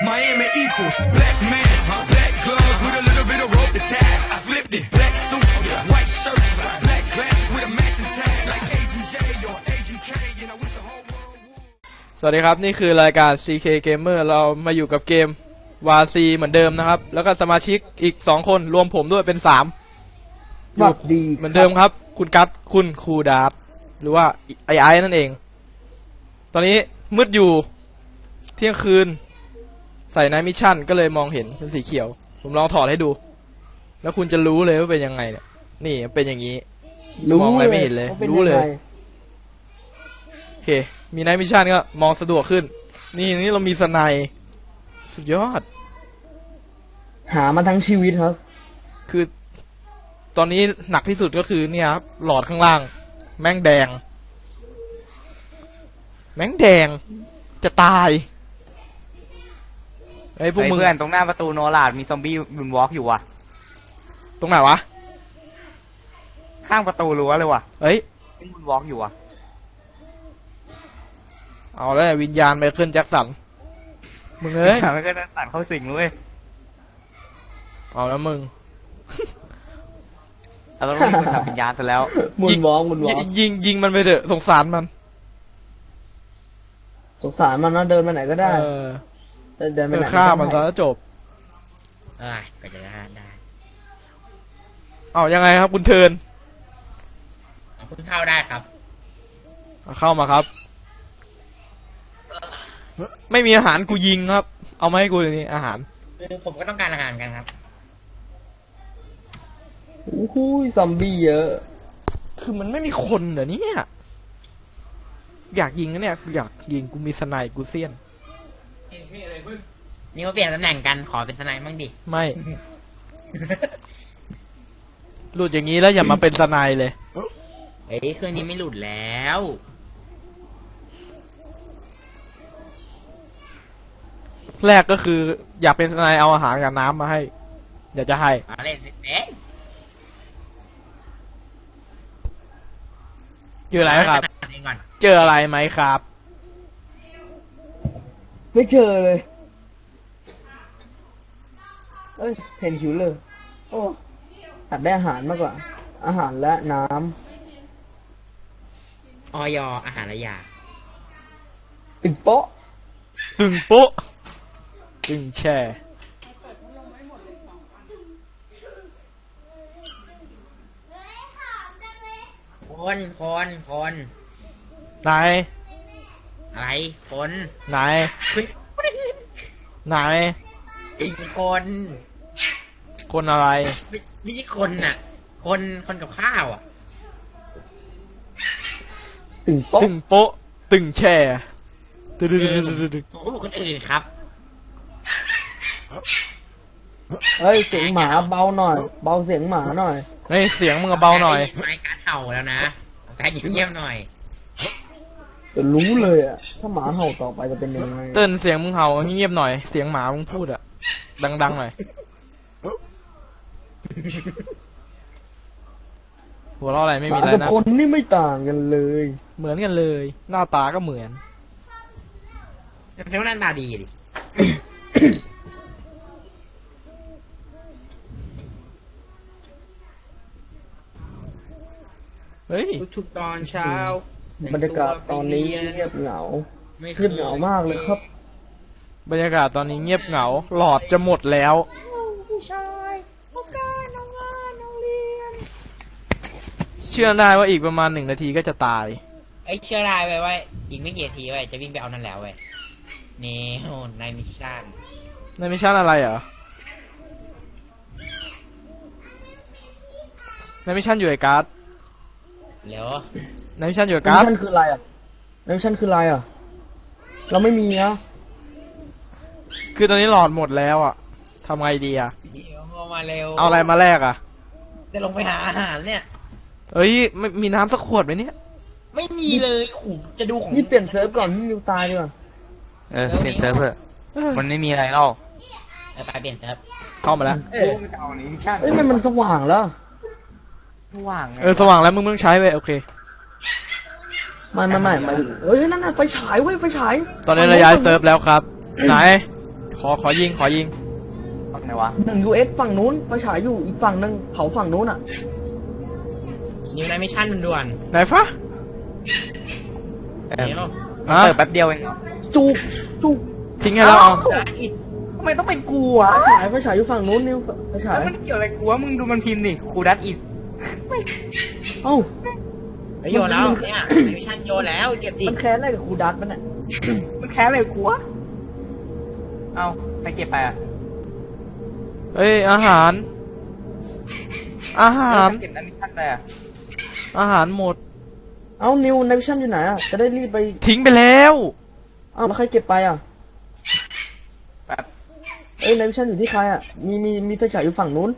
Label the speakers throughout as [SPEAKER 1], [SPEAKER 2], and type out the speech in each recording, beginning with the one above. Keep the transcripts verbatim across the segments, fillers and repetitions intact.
[SPEAKER 1] Miami equals black mask, black gloves with a little bit of rope to tie. I flipped it, black suits, white shirts, black glasses with a matching tag, like Agent J or Agent K. You know, it's the whole world.
[SPEAKER 2] สวัสดีครับนี่คือรายการ ซี เค Gamer เรามาอยู่กับเกม วา ซี เหมือนเดิมนะครับแล้วก็สมาชิกอีกสองคนรวมผมด้วยเป็นสามอยู่เหมือนเดิมครับคุณกัตคุณครูดาร์หรือว่าไอไอนั่นเองตอนนี้มืดอยู่เที่ยงคืนใส่ไนท์มิชชั่นก็เลยมองเห็นเป็นสีเขียวผมลองถอดให้ดูแล้วคุณจะรู้เลยว่าเป็นยังไงเนี่ยนี่เป็นอย่างนี้มองอะไรไม่เห็นเลยรู้เลยโอเคมีไนท์มิชชั่นก็มองสะดวกขึ้นนี่นี่เรามีสไนด์สุดยอด
[SPEAKER 3] หามาทั้งชีวิตครับ
[SPEAKER 2] คือตอนนี้หนักที่สุดก็คือเนี่ยครับหลอดข้างล่างแม่งแดงแม่งแดงจะตายไอ้พวกมึง
[SPEAKER 4] เพื่อนตรงหน้าประตูโนลาดมีซอมบี้บุนวอล์กอยู่ว่ะ
[SPEAKER 2] ตรงไหนวะ
[SPEAKER 4] ข้างประตูรั้วเลยว่ะ
[SPEAKER 2] เฮ้ย
[SPEAKER 4] มีบุนวอล์กอยู่ว่ะ
[SPEAKER 2] เอาแล้ววิญญาณไมเคิลแจ็คสันมึงเอ้ย
[SPEAKER 4] มันก็จะตัดเข้าสิงเลย
[SPEAKER 2] เอาแล้วมึง
[SPEAKER 4] เราต้องรีบทำวิญญาณซะแล้ว
[SPEAKER 3] มุนวอล์กมุนวอล์ก
[SPEAKER 2] ยิงยิงมันไปเถอะสงสารมัน
[SPEAKER 3] สงสารมันนะเดินไปไหนก็ได้เดินไปไหน
[SPEAKER 2] ฆ่ามันแล้วจบ
[SPEAKER 4] อ่าก็จะได้ได้
[SPEAKER 2] เอายังไงครับคุณเทิร์น
[SPEAKER 4] คุณเข้าได้ครับ
[SPEAKER 2] เข้ามาครับไม่มีอาหารกูยิงครับเอามาให้กูเลยนี่อาหาร
[SPEAKER 4] ผมก็ต้องการอาหารกันครับ
[SPEAKER 3] โอ้โหซอมบี้เยอะ
[SPEAKER 2] คือมันไม่มีคนเหรอเนี่ยอยากยิงนะเนี่ยอยากยิงกูมีสไนกูเซียน
[SPEAKER 4] นี่เขาเปลี่ยนตำแหน่งกันขอเป็นสไนบ้างดิ
[SPEAKER 2] ไม่หลุดอย่างนี้แล้วอย่ามาเป็นสไนเลย
[SPEAKER 4] เอ้ยเครื่องนี้ไม่หลุดแล้ว
[SPEAKER 2] แรกก็คืออยากเป็นสไนเอาอาหารกับน้ำมาให้อยากจะให้
[SPEAKER 4] เล่นเล่น
[SPEAKER 2] เจออะไรครับเจออะไรไหมครับ
[SPEAKER 3] ไม่เจอเลยเอ้ยเห็นหิวเลยโอ้ตัดได้อาหารมากกว่าอาหารและน้
[SPEAKER 4] ำออยอาหารและยา
[SPEAKER 3] ตึงโป๊ะ
[SPEAKER 2] ตึงโป๊ะตึงแช่
[SPEAKER 4] คนคนคน
[SPEAKER 2] ไหน
[SPEAKER 4] อะไรคน
[SPEAKER 2] ไหนไหน
[SPEAKER 4] อีกคน
[SPEAKER 2] คนอะไร
[SPEAKER 4] ไม่ใช่คนน่ะคนคนกับข้าวอ่ะ
[SPEAKER 3] ตึงโป๊ะ
[SPEAKER 2] ตึงโป๊ะตึงแช่ตึง
[SPEAKER 4] โอ้คนอื่นครับ
[SPEAKER 3] เฮ้ยเสียงหมาเบาหน่อยเบาเสียงหมาหน่อย
[SPEAKER 2] เฮ้ยเสียงมึงเบาหน่อย
[SPEAKER 4] รายการเห่าแล้วนะแต่เงียบๆหน่อย
[SPEAKER 3] จะรู้เลยอ่ะถ้าหมาเห่าต่อไปจะเป็นยังไง
[SPEAKER 2] เติ้นเสียงมึงเห่าเงียบหน่อยเสียงหมามึงพูดอ่ะดังๆหน่อยหัวเราะอะไรไม่มีอะไรนะ
[SPEAKER 3] คนนี่ไม่ต่างกันเลย
[SPEAKER 2] เหมือนกันเลยหน้าตาก็เหมือน
[SPEAKER 4] แต่ว่าหน้าตาดีดิ
[SPEAKER 2] เฮ้ย
[SPEAKER 4] ทุกตอนเช้า
[SPEAKER 3] บรรยากาศตอนนี้เงียบเหงาเงียบเหงามากเลยครับ
[SPEAKER 2] บรรยากาศตอนนี้เงียบเหงาหลอดจะหมดแล้ว
[SPEAKER 4] ผู้ชายต้องการน้องงานน้องเรียน
[SPEAKER 2] เชื่อได้ว่าอีกประมาณหนึ่งนาทีก็จะตาย
[SPEAKER 4] ไอ้เชื่อได้ไว้ไว้อีกไม่กี่นาทีไว้จะวิ่งไปเอานั่นแล้วไว้นี่โอ้นายมิชชั่น
[SPEAKER 2] นายมิชชั่นอะไรเหรอ นายมิชชั่นอยู่ไอ้การ์ด
[SPEAKER 4] เดี๋ยวน
[SPEAKER 2] ายมิชชั่นอยู่ไอ้การ์ด
[SPEAKER 3] นายมิชชั่นคืออะไรอ่ะนายมิชชั่นคืออะไรอ่ะเราไม่มีนะ
[SPEAKER 2] คือตอนนี้หลอดหมดแล้วอ่ะทำไงดีอ่ะ
[SPEAKER 4] เอามาเร็ว
[SPEAKER 2] เอาอะไรมาแลกอ่ะ
[SPEAKER 4] จะลงไปหาอาหารเนี่ย
[SPEAKER 2] เอ้ยไม่มีน้ำสักขวดไหมเนี่ย
[SPEAKER 4] ไม่มีเลยขู่จะดูของ
[SPEAKER 3] นี่เปลี่ยนเซิร์ฟก่อนที่นิวตายดีกว่า
[SPEAKER 4] เออเปลี่ยนเซิร์ฟเถอะมันไม่มีอะไรหรอกไปเปลี่ยนเซิร์ฟ
[SPEAKER 2] เข้ามาแล้ว
[SPEAKER 3] เอ้ยมันมันสว่างแล้ว
[SPEAKER 4] สว่าง
[SPEAKER 2] เออสว่างแล้วมึงมึงใช้ไปโอเค
[SPEAKER 3] ไม่ไม่ไม่ไม่เฮ้ยนั่นน่ะไฟฉายเว้ยไฟฉาย
[SPEAKER 2] ตอนนี้เราย้ายเซิร์ฟแล้วครับไหนขอขอยิงขอยิง
[SPEAKER 5] ฝั่งไหนวะ
[SPEAKER 3] หนึ่งยูเอสฝั่งนู้นไฟฉายอยู่อีกฝั่งหนึ่งเผาฝั่งนู้นอ่ะ
[SPEAKER 4] นิวในมิชชั่นด่วน
[SPEAKER 2] ไหนฟะ
[SPEAKER 5] เอ
[SPEAKER 4] ๆ
[SPEAKER 5] อ
[SPEAKER 4] เดี๋ยว
[SPEAKER 2] อ่ะ
[SPEAKER 5] เปิดแป๊บเดียวเองเหรอ
[SPEAKER 3] จุกจุก
[SPEAKER 2] ทิ้งให้เราเอา
[SPEAKER 5] อิดทำไมต้องเป็นกูอ่ะ
[SPEAKER 3] ไฟฉายไฟฉายอยู่ฝั่งนู้นนิวไฟฉาย
[SPEAKER 5] แล้วมันเกี่ยวอะไรกูวะมึงดูมันพิมพ์ดิครูดัตอิด
[SPEAKER 3] เอ้า
[SPEAKER 4] ไปโยนแล้วเนี่ยในมิชชั่นโยนแล้วเก็บดิ
[SPEAKER 3] มันแค้นอะไรกับครูดัตมันอ่ะ
[SPEAKER 5] มันแค้นอะไรกูวะเอาไปเก็บไปอ่ะ
[SPEAKER 2] เอ้ยอาหาร อาหาร
[SPEAKER 5] เก็บนั้นมิชชั่นไปอ่ะ
[SPEAKER 2] อาหารหมด
[SPEAKER 3] เอ้านิวในวิชั่นอยู่ไหนอ่ะจะได้รีบไป
[SPEAKER 2] ทิ้งไปแล้ว
[SPEAKER 3] เอ้าแล้วใครเก็บไปอ่ะ
[SPEAKER 5] แบบ
[SPEAKER 3] เอ้ยในวิชั่นอยู่ที่ใครอ่ะมีมีมีไฟฉายอยู่ฝั่งนู้น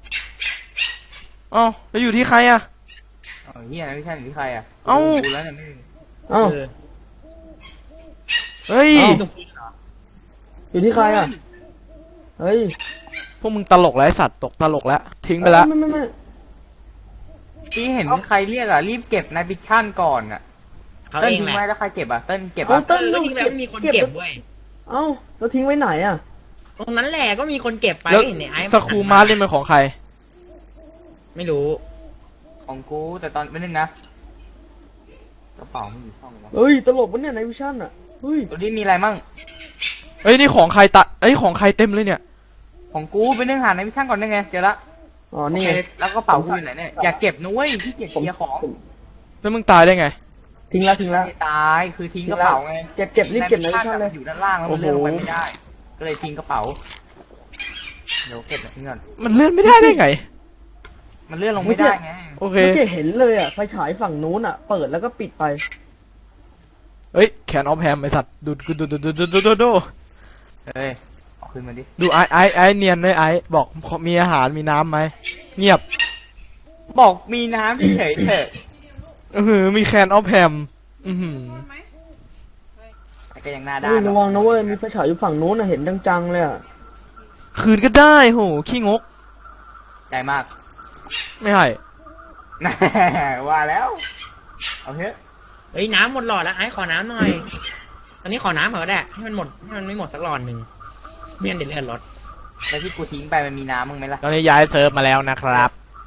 [SPEAKER 2] อ๋อแล้วอยู่ที่ใครอะ
[SPEAKER 5] เอาเฮียนั้นมิชชั่นอยู่ที่ใครอ่ะ
[SPEAKER 2] เอ้า
[SPEAKER 5] กูแล้วเนี่ยไม่
[SPEAKER 3] เอ้า
[SPEAKER 4] เออ
[SPEAKER 2] เฮ้ย
[SPEAKER 3] เอ้า
[SPEAKER 4] ตรงนี้เหรอ
[SPEAKER 3] อยู่ที่ใครอ่ะเฮ้ย
[SPEAKER 2] พวกมึงตลกแล้วไอ้สัตว์ตกตลกแล้ว ทิ้งไปแล้ว
[SPEAKER 3] ไม่ไม่ไม่
[SPEAKER 5] ที่เห็นใครเรียกอ่ะรีบเก็บในมิชชั่นก่อนอ่ะ
[SPEAKER 4] เขา
[SPEAKER 5] เติ้ล
[SPEAKER 4] เอง
[SPEAKER 5] ทิ้ง
[SPEAKER 4] แหละ
[SPEAKER 5] ไว้แล้วใครเก็บอ่ะเติ้ลเก็บ
[SPEAKER 3] เอ้า
[SPEAKER 5] อ่ะ
[SPEAKER 3] เติ้ล
[SPEAKER 4] เออ
[SPEAKER 3] ลูก
[SPEAKER 4] ทิ้งแล้วมีคนเก็บเว้ย
[SPEAKER 3] เอ้าแล้วทิ้งไว้ไหนอ่ะ
[SPEAKER 4] ตรงนั้นแหละก็มีคนเก็บไป
[SPEAKER 2] แล้ว
[SPEAKER 4] เห็นในไอ้
[SPEAKER 2] สครูมาร์นี่เป็นของใคร
[SPEAKER 4] ไม่รู้
[SPEAKER 5] ของกูแต่ตอนไม่นึงนะกระเป๋ามันอยู่ช่องวะ
[SPEAKER 3] เฮ้ยตลกปะเนี่ยในวิชั่นอ่ะเฮ้ย
[SPEAKER 5] ตัวนี้มีอะไรมั่ง
[SPEAKER 2] เอ้ยนี่ของใครตะเอ้ยของใครเต็มเลยเนี่ย
[SPEAKER 5] ของกูไปนึ่งหาในมิชชั่นก่อนได้ไงเจอละ
[SPEAKER 3] อ๋อ
[SPEAKER 5] โอ
[SPEAKER 3] นี่
[SPEAKER 5] เค
[SPEAKER 3] ไง
[SPEAKER 5] แล้วกระเป๋ากูอยู่ไหนเนี่ยอย่าเก็บนะเว้ยที่เกียจ
[SPEAKER 3] ผม
[SPEAKER 5] เคลียร์ของ
[SPEAKER 3] ผม
[SPEAKER 2] แล้วมึงตายได้ไง
[SPEAKER 3] ทิ้งแล้วทิ้งแล้ว
[SPEAKER 5] ไม่ตายคือทิ้งกระเป๋าไง
[SPEAKER 3] เก็บเก็บรีบเก็บในวิ
[SPEAKER 5] ชั่
[SPEAKER 3] ชั่นเลย
[SPEAKER 5] อยู่ด้านล่างแล้วมันเลื่อนลงไปไม่ได้ ก็เลยทิ้งกระเป๋าเดี๋ยวเก็บทิ้งก่อน
[SPEAKER 2] มันเลื่อนไม่ได้ได้ไง
[SPEAKER 5] มันเลื่อนลงไม่ได้ไง
[SPEAKER 2] โอเค
[SPEAKER 3] เมื่อกี้เห็นเลยอ่ะไฟฉายฝั่งนู้นอ่ะ เปิดแล้วก็ปิดไป
[SPEAKER 2] เอ้ยแขนออฟแฮมไอสัตว์ดูดูดูดูดูดูดูดู
[SPEAKER 5] เฮ้ยเอาขึ้นมาดิ
[SPEAKER 2] ดูไอไอไอเนียนเลยไอบอกมีอาหารมีน้ำไหมเงียบ
[SPEAKER 5] บอกมีน้ำเฉยๆเถอะ
[SPEAKER 2] อือหือมีแคนออฟแฮมอือหือ
[SPEAKER 5] แต่ก็ยังหน้าด้า
[SPEAKER 3] เฮ้ย
[SPEAKER 5] น
[SPEAKER 3] ระวังนะเว้ยมีไฟฉายอยู่ฝั่งนู้นอ่ะเห็นจังๆเลยอ่ะ
[SPEAKER 2] คืนก็ได้โหขี้งก
[SPEAKER 5] ใจมาก
[SPEAKER 2] ไม่ให้
[SPEAKER 5] แน่ว่าแล้วเอาเถอะ
[SPEAKER 4] เฮ้ยน้ำหมดหลอดแล้วไอ้ขอน้ำหน่อย ตอนนี้ขอน้ำเหรอแดะให้มันหมดให้มันไม่หมดสักหลอดหนึ่งไม่งั้นเดี๋ยวเลือดลด
[SPEAKER 5] แล้วที่กูทิ้งไปมันมีน้ำมึงไหมล่ะ
[SPEAKER 2] ตอนนี้ย้ายเซิร์ฟมาแล้วนะครับ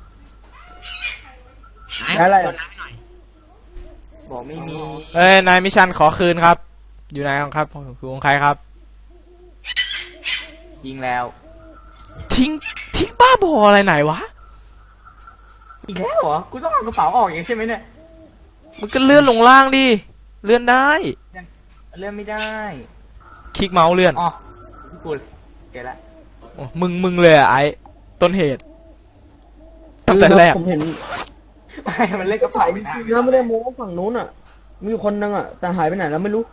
[SPEAKER 4] ไอ้
[SPEAKER 3] อะไร
[SPEAKER 4] ขอน้ำให้หน่อย
[SPEAKER 5] บอกไม่มี
[SPEAKER 2] เอ้ยนายมิชันขอคืนครับ อยู่ไหนครับคือของใครครับ
[SPEAKER 5] ยิงแล้ว
[SPEAKER 2] ทิ้งทิ้งบ้าบออะไรไหนวะ
[SPEAKER 5] อีกแล้วเหรอกูต้องเอากระเป๋าออกอย่างใช่ไหมเนี่ย
[SPEAKER 2] มันก็เลื่อนลงล่างดิเลื่อนได้
[SPEAKER 5] เลื่อนไม่ได้
[SPEAKER 2] คลิกเมาส์เลื่อน
[SPEAKER 5] อ๋อที่กูเกละ
[SPEAKER 2] โอ้มึงมึงเลยอะไอต้นเหตุตั้งแต่แรก
[SPEAKER 3] ผมเห็น
[SPEAKER 5] ไม่มันเล่นกระเป๋าไม่ได้
[SPEAKER 3] นะไม่ได้โม้ฝั่งนู้นอ่ะ มีอยู่คนนึงอ่ะ แต่หายไปไหนแล้วไม่รู้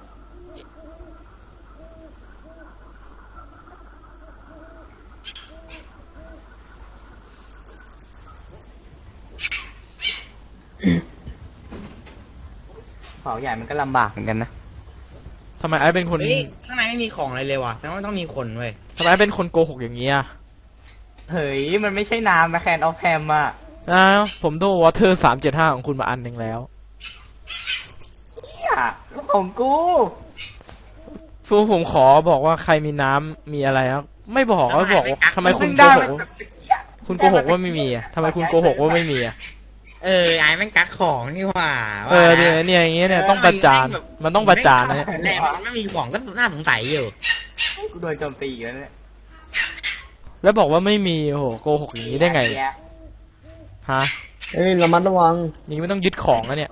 [SPEAKER 5] กระเป๋าใหญ่มันก็ลำบากเหมือนกันนะ
[SPEAKER 2] ทำไมไอเป็นคน
[SPEAKER 4] เฮ้ยข้างในไม่มีของอะไรเลยว่ะแต่ว่าต้องมีคนเว้ย
[SPEAKER 2] ทำไมไอเป็นคนโกหกอย่างนี้อ่ะ
[SPEAKER 5] เฮ้ยมันไม่ใช่น้ำนะแคนออฟแฮมอ่ะ
[SPEAKER 2] อ้าวผมโดนวอเตอร์สามเจ็ดห้าของคุณมาอันหนึ่งแล้ว
[SPEAKER 5] เหี้ยของกู
[SPEAKER 2] ฟูผมขอบอกว่าใครมีน้ำมีอะไรครับไม่บอกก็บอกว่าทำไมคุณ
[SPEAKER 5] เพิ่ง
[SPEAKER 2] โก
[SPEAKER 5] ได้
[SPEAKER 2] ห
[SPEAKER 5] มาก
[SPEAKER 2] ว่า
[SPEAKER 5] แบบเหี้ย
[SPEAKER 2] คุณโกหกว่าไม่มีอ่ะทำไมคุณโกหกว่าไม่มีอ่ะ
[SPEAKER 4] เออไอ้แม่งกักของนี่หว่า
[SPEAKER 2] เออเนี่ยเนี่ยอย่างเงี้ยเนี่ยต้องประจานมันต้องประจานนะเนี่ย
[SPEAKER 4] แรกมันไม่มีของก็น่าสงสัยอยู่
[SPEAKER 5] กูโดนโจมตีอยู่แล้วเนี่ย
[SPEAKER 2] แล้วบอกว่าไม่มีโอ้โหโกหกอย่างนี้ได้ไงฮะ
[SPEAKER 3] เอ้ยระมัดระวัง
[SPEAKER 2] อย่างนี้ไม่ต้องยึดของแล้วเนี่ย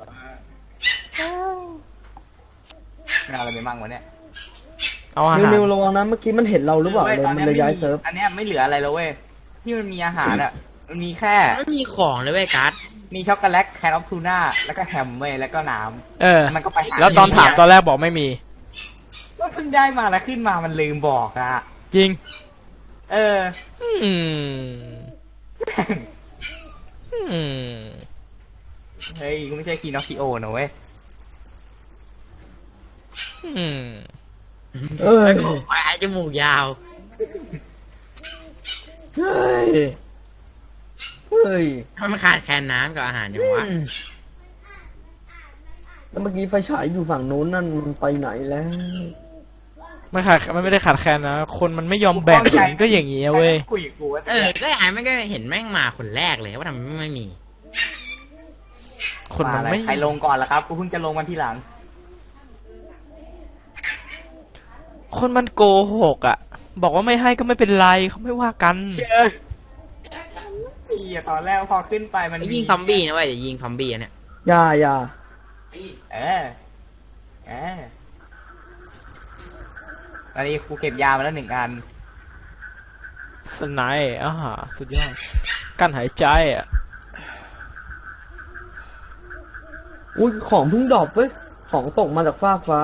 [SPEAKER 5] ไม่เอาอะไรไปมั่งวะเนี่ย
[SPEAKER 2] เอาอา
[SPEAKER 3] นิว
[SPEAKER 2] หาร
[SPEAKER 3] นิวระวังนะเมื่อกี้มันเห็นเราหรือเปล่าเลย
[SPEAKER 5] ตอน
[SPEAKER 3] มัน
[SPEAKER 5] นี้
[SPEAKER 3] เลยย้ายเซิร์ฟ
[SPEAKER 5] อันเนี้ยไม่เหลืออะไรแล้วเว้ยที่มันมีอาหารอ่ะมันมีแค่
[SPEAKER 4] ไม่มีของเลยเว้ยกัส
[SPEAKER 5] มีช็อกโกแลตแคนออฟทูน่าแล้วก็แฮมเว้ยแล้วก็น้
[SPEAKER 2] เออ
[SPEAKER 5] ำมันก็ไปหา
[SPEAKER 2] แล้วตอนถามตอนแรกบอกไม่มี
[SPEAKER 5] ก็เพิ่งได้มาแล้วขึ้นมามันลืมบอกอ่ะ
[SPEAKER 2] จริง
[SPEAKER 5] เออ
[SPEAKER 2] อืมอืม
[SPEAKER 5] เฮ้ยกูไม่ใช่คีนอคิโอนะเว้ย
[SPEAKER 2] อืม
[SPEAKER 3] เอ้ย
[SPEAKER 4] ไอ้จมูกยาว
[SPEAKER 3] เฮ้ย เฮ้ย
[SPEAKER 4] ทำไมมันขาดแคลนน้ำกับอาหารอย่างวะ
[SPEAKER 3] อืมแล้วเมื่อกี้ไฟฉายอยู่ฝั่งนู้นนั่นมันไปไหนแล้ว
[SPEAKER 2] ไม่ขาดมันไม่ได้ขาดแคลนนะคนมันไม่ยอมแบ่งมันก็อย่างงี้เว้ย
[SPEAKER 5] คุยกับกูว่า
[SPEAKER 4] เออก็ไอ้ไม่ก็เห็นแม่งมาคนแรกเลยว่าทำไมไม่มี
[SPEAKER 2] คนมันไม่
[SPEAKER 5] ใครลงก่อนล่ะครับกูเพิ่งจะลงวันที่หลัง
[SPEAKER 2] คนมันโกหกอ่ะ บอกว่าไม่ให้ก็ไม่เป็นไรเขาไม่ว่ากัน
[SPEAKER 5] เชื่อไอ้เหี้ยตอนแรกพอขึ้นไปมัน
[SPEAKER 4] ยิงซอมบี้นะเว้ยเดี๋ยวยิงซอมบี้อันเนี่ย
[SPEAKER 3] อย่าอย่า
[SPEAKER 5] เออเออตอนนี้กูเก็บยามาแล้วหนึ่งอัน
[SPEAKER 2] สไนป์อ่าสุดยอดกั้นหายใจอ่ะ
[SPEAKER 3] อุ้ยของเพิ่งดรอปเว้ยของตกมาจากฟากฟ้า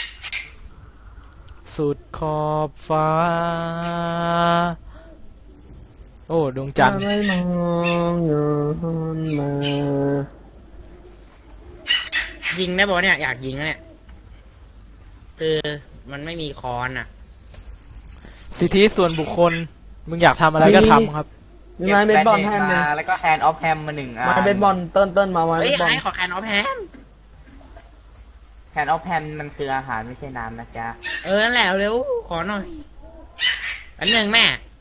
[SPEAKER 2] สุดขอบฟ้า โอ้ดวงจันทร์
[SPEAKER 3] ไม่มองเงินมา
[SPEAKER 4] ยิงได้ปะเนี่ยอยากยิงนะเนี่ยคือมันไม่มีคอนอ่ะ
[SPEAKER 2] สิทธิส่วนบุคคล มึงอยากทำอะไรก็ทำครับ
[SPEAKER 3] มีไม้เบสบอลให้
[SPEAKER 5] เก็
[SPEAKER 3] ไหม
[SPEAKER 5] มาแล้วก็แฮนด์ออฟแฮมมาหนึ่งอัน
[SPEAKER 3] ไม้เบสบอลเติ้ลเติ้ลมาไม้
[SPEAKER 4] เฮ้
[SPEAKER 3] เบ
[SPEAKER 4] ย
[SPEAKER 3] สบอล
[SPEAKER 4] ไอ้ขอแคนออฟแฮม
[SPEAKER 5] แฮนด์ออฟแฮมมันคืออาหารไม่ใช่น้ำนะจ๊ะ
[SPEAKER 4] เออนั่นแหละเร็วขอหน่อยอันหนึ่งแม่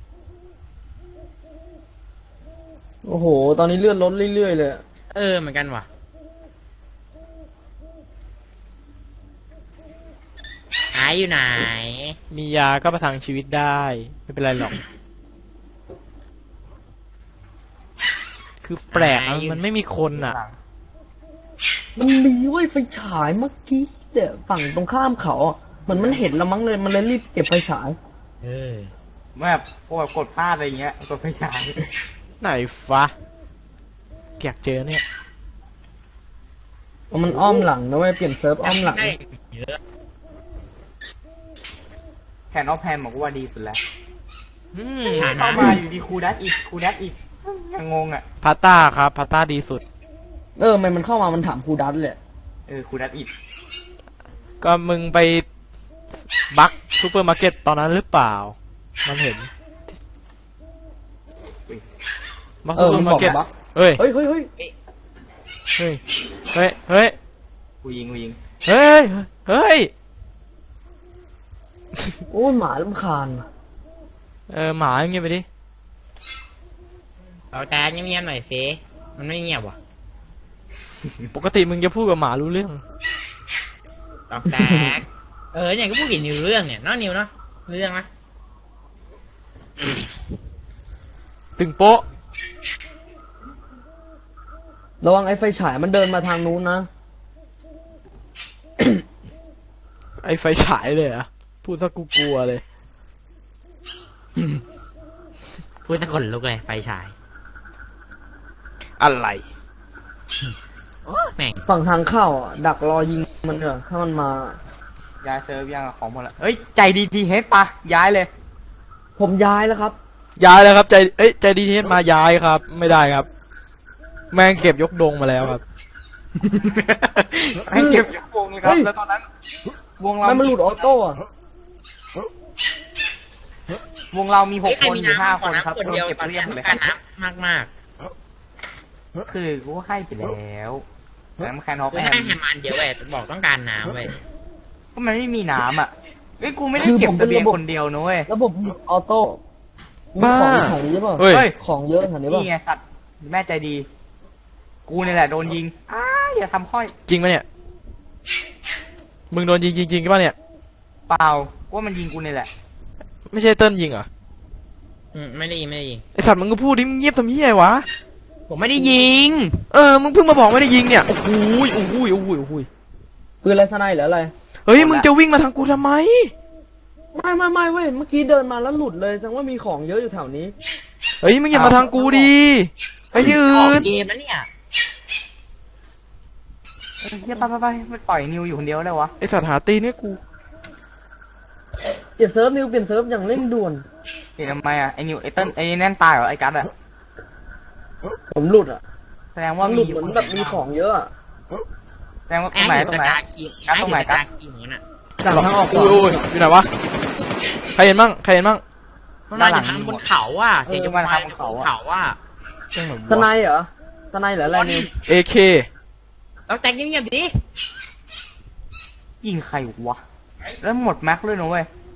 [SPEAKER 3] โอ้โห ตอนนี้เลื่อนลดเรื่อยๆเลย
[SPEAKER 4] เออเหมือนกันว่ะหายอยู่ไหน
[SPEAKER 2] มียาก็ประทังชีวิตได้ ไม่เป็นไรหรอก คือแปลกอะมันไม่มีคนอ่ะ
[SPEAKER 3] มันมีเว้ยไฟฉายเมื่อกี้เดี๋ยวฝั่งตรงข้ามเขาอ่ะเหมือนมันเห็นแล้วมั้งเลยมันเลยรีบเก็บไฟฉาย
[SPEAKER 4] เออ
[SPEAKER 5] แบบพวกกดพลาดอะไรเงี้ยกดไม่ใช่
[SPEAKER 2] ไหนฟะอยากเจอเนี่ย
[SPEAKER 3] มันอ้อมหลังนะเว้ยเปลี่ยนเซิร์ฟอ้อมหลัง
[SPEAKER 4] ได้เยอะ
[SPEAKER 5] แฮนด์ออฟแฮมบอกว่าดีสุดแล้ว
[SPEAKER 2] อืม
[SPEAKER 5] เข้ามาอยู่ดีครูดัตอีกครูดัตอีกยังงงอ่ะ
[SPEAKER 2] พาต้าครับพาต้าดีสุด
[SPEAKER 3] เออมันมันเข้ามามันถามครูดัตเลย
[SPEAKER 5] เออครูดัตอีก
[SPEAKER 2] ก็มึงไปบักซูเปอร์มาร์เก็ตตอนนั้นหรือเปล่า มันเห็น
[SPEAKER 5] อุ๊ย
[SPEAKER 2] บัก
[SPEAKER 3] เอ
[SPEAKER 2] ซู
[SPEAKER 3] อ
[SPEAKER 2] เปอ
[SPEAKER 3] มัน
[SPEAKER 2] ร์มา
[SPEAKER 3] บอก
[SPEAKER 2] ร์เก็ต
[SPEAKER 3] บัก
[SPEAKER 2] เฮ้ย
[SPEAKER 3] เฮ้ยเฮ้ยเฮ้ย
[SPEAKER 2] เฮ้ย เฮ้ย เฮ้ย
[SPEAKER 5] กูยิงกูยิง
[SPEAKER 2] เฮ้ย เฮ้ย
[SPEAKER 3] โอ้ยหมาลำคาญว่ะ
[SPEAKER 2] เออหมาเงียบไปดิ
[SPEAKER 4] เอาแต่เงียบๆหน่อยสิมันไม่เงียบว่ะ
[SPEAKER 2] ปกติมึงจะพูดกับหมารู้เรื่อง
[SPEAKER 4] ตอกแตก เออเนี่ยก็พูดกี่นิวเรื่องเนี่ยเน้องนิวเนาะเรื่องนะ
[SPEAKER 2] ตึงโป๊ะ
[SPEAKER 3] ระวังไอ้ไฟฉายมันเดินมาทางนู้นนะ
[SPEAKER 2] ไอไฟฉายเลยเหรอะพูดซะกูกลัวเลย
[SPEAKER 4] พูดตะกนลุกเลยไฟฉาย
[SPEAKER 2] อะไร
[SPEAKER 4] โอ้แม่ง
[SPEAKER 3] ฝั่งทางเข้าอ่ะดักรอยิงมันเถอะถ้ามันมา
[SPEAKER 5] ย้ายเซิร์ฟยังของหมดละเอ้ยใจดีทีเฮดปะย้ายเลย
[SPEAKER 3] ผมย้ายแล้วครับ
[SPEAKER 2] ย้ายแล้วครับใจเอ้ยใจดีเทสมาย้ายครับ ไม่ได้ครับ แม่งเก็บยกดงมาแล้วครับ
[SPEAKER 5] ให้เก็บยกวงเลยครับ
[SPEAKER 3] เฮ้ย
[SPEAKER 5] แล้วตอนนั้น วงเรา
[SPEAKER 3] ไม่มันหลุดออโต้อะ
[SPEAKER 5] วงเรามีห
[SPEAKER 4] เฮ้ย
[SPEAKER 5] ก
[SPEAKER 4] ใคร
[SPEAKER 5] คน
[SPEAKER 4] มี
[SPEAKER 5] อยู่ห้า
[SPEAKER 4] น้ำ
[SPEAKER 5] ค
[SPEAKER 4] ขอน
[SPEAKER 5] ครับ
[SPEAKER 4] น้ำคนเดียว
[SPEAKER 5] เก็บ
[SPEAKER 4] ตอน
[SPEAKER 5] เรี
[SPEAKER 4] นี้
[SPEAKER 5] ยบหมด
[SPEAKER 4] ต้
[SPEAKER 5] เล
[SPEAKER 4] อย ง
[SPEAKER 5] ค
[SPEAKER 4] การ
[SPEAKER 5] รับ
[SPEAKER 4] น้ำมาก
[SPEAKER 5] คือกูให้ไปแล้วน้ำแคนออฟ
[SPEAKER 4] ๆคือ
[SPEAKER 5] แฮ
[SPEAKER 4] ให้
[SPEAKER 5] ม
[SPEAKER 4] แฮมอันเดียวเว้ยบอกต้องการน้ำเว้ย
[SPEAKER 5] ก็มันไม่มีน้ำอ่ะเอ้ยกูไม่ได้เก็บเสบียงคนเดียวนะเว้ย
[SPEAKER 3] ระบบออโต้มี
[SPEAKER 2] บ้า
[SPEAKER 3] ของแถวนี้ป่ะ
[SPEAKER 2] เฮ้ย
[SPEAKER 5] เฮ้ย
[SPEAKER 3] ของเยอะแถวนี้ป่ะ
[SPEAKER 5] นี่ไงสัตว์แม่ใจดี กูนี่แหละโดนยิงอ้าอย่าทำค่อย
[SPEAKER 2] จริงปะเนี่ย มึงโดนยิงจริงๆป่ะเนี่ย
[SPEAKER 5] เปล่าว่ามันยิงกูนี่แหละ
[SPEAKER 2] ไม่ใช่เติ้ลยิงเหรอ
[SPEAKER 4] อืมไม่ได้ยิงไม่ได้ยิง
[SPEAKER 2] ไอสัตว์มึงก็พูดดิมึงเงียบทำเหี้ยไงวะ
[SPEAKER 4] ผมไม่ได้ยิง
[SPEAKER 2] เออ มึงเพิ่งมาบอกไม่ได้ยิงเนี่ย โอ้โหยโอ้โหยโอ้โหยโอ้โหย
[SPEAKER 3] ปืนอะไรสไนหรืออะไร
[SPEAKER 2] เฮ้ย มึงจะวิ่งมาทางกูทำไม
[SPEAKER 3] ไม่ไม่ไม่เว้ยเมื่อกี้เดินมาแล้วหลุดเลยแสดงว่ามีของเยอะอยู่แถวนี้
[SPEAKER 2] เฮ้ย มึงอย่ามาทางกูดี ไปที่
[SPEAKER 4] ออ
[SPEAKER 2] อื่
[SPEAKER 4] ก
[SPEAKER 2] น
[SPEAKER 4] เกมแล้วเนี่ย
[SPEAKER 5] เฮียไปไปไปไม่ปล่อยนิวอยู่คนเดียวเลยวะ
[SPEAKER 2] ไอสัตว์หาตีเนี่ยกู
[SPEAKER 3] เปลี่ยนเซิร์ฟนิวเปลี่ยนเซิร์ฟอย่างเร่งด่วน
[SPEAKER 5] เห็นทำไมอ่ะไอ้นิวไอ้เต้นไอ้แน่นตายเหรอไอ้กัสอ่ะ
[SPEAKER 3] ผมหลุดอ่ะ
[SPEAKER 5] แสดงว่า
[SPEAKER 3] มันห
[SPEAKER 5] มี
[SPEAKER 3] ลุดเหมือนแบบมีของเยอะอะ
[SPEAKER 5] แสดงว่าตร
[SPEAKER 4] แอ้
[SPEAKER 5] ง
[SPEAKER 4] ง
[SPEAKER 5] ไหน
[SPEAKER 4] อยู่
[SPEAKER 5] ตร
[SPEAKER 4] ตะ
[SPEAKER 5] งไหน
[SPEAKER 4] กาคี
[SPEAKER 5] กัดตรงไหน
[SPEAKER 4] แอ้
[SPEAKER 5] กัด
[SPEAKER 4] อยู่ตะกาคีเหมือนกันอ่ะ
[SPEAKER 3] จากทางออก
[SPEAKER 2] อุ้
[SPEAKER 3] ก่
[SPEAKER 2] ย
[SPEAKER 3] อน
[SPEAKER 2] อุ้ยอยู่ไหนวะ ใครเห็นมั่งใครเห็นมั่ง
[SPEAKER 4] มันมาจากทางบนเขาอ่ะเสียง
[SPEAKER 5] เออ
[SPEAKER 4] จะ
[SPEAKER 5] มา
[SPEAKER 4] มา
[SPEAKER 5] ทา
[SPEAKER 4] ทาง ง
[SPEAKER 5] บบ น
[SPEAKER 4] น
[SPEAKER 5] เขา
[SPEAKER 4] เขา
[SPEAKER 5] อะ
[SPEAKER 4] อ่ะ
[SPEAKER 2] เรื่องไหน
[SPEAKER 3] สไน
[SPEAKER 2] วะ
[SPEAKER 3] เหรอสไนหรืออะไรนิว
[SPEAKER 2] เอเค
[SPEAKER 4] เราแต่งเงียบๆดิ
[SPEAKER 5] ยิงใครวะแล้วหมดแม็กเลยนะเว้ย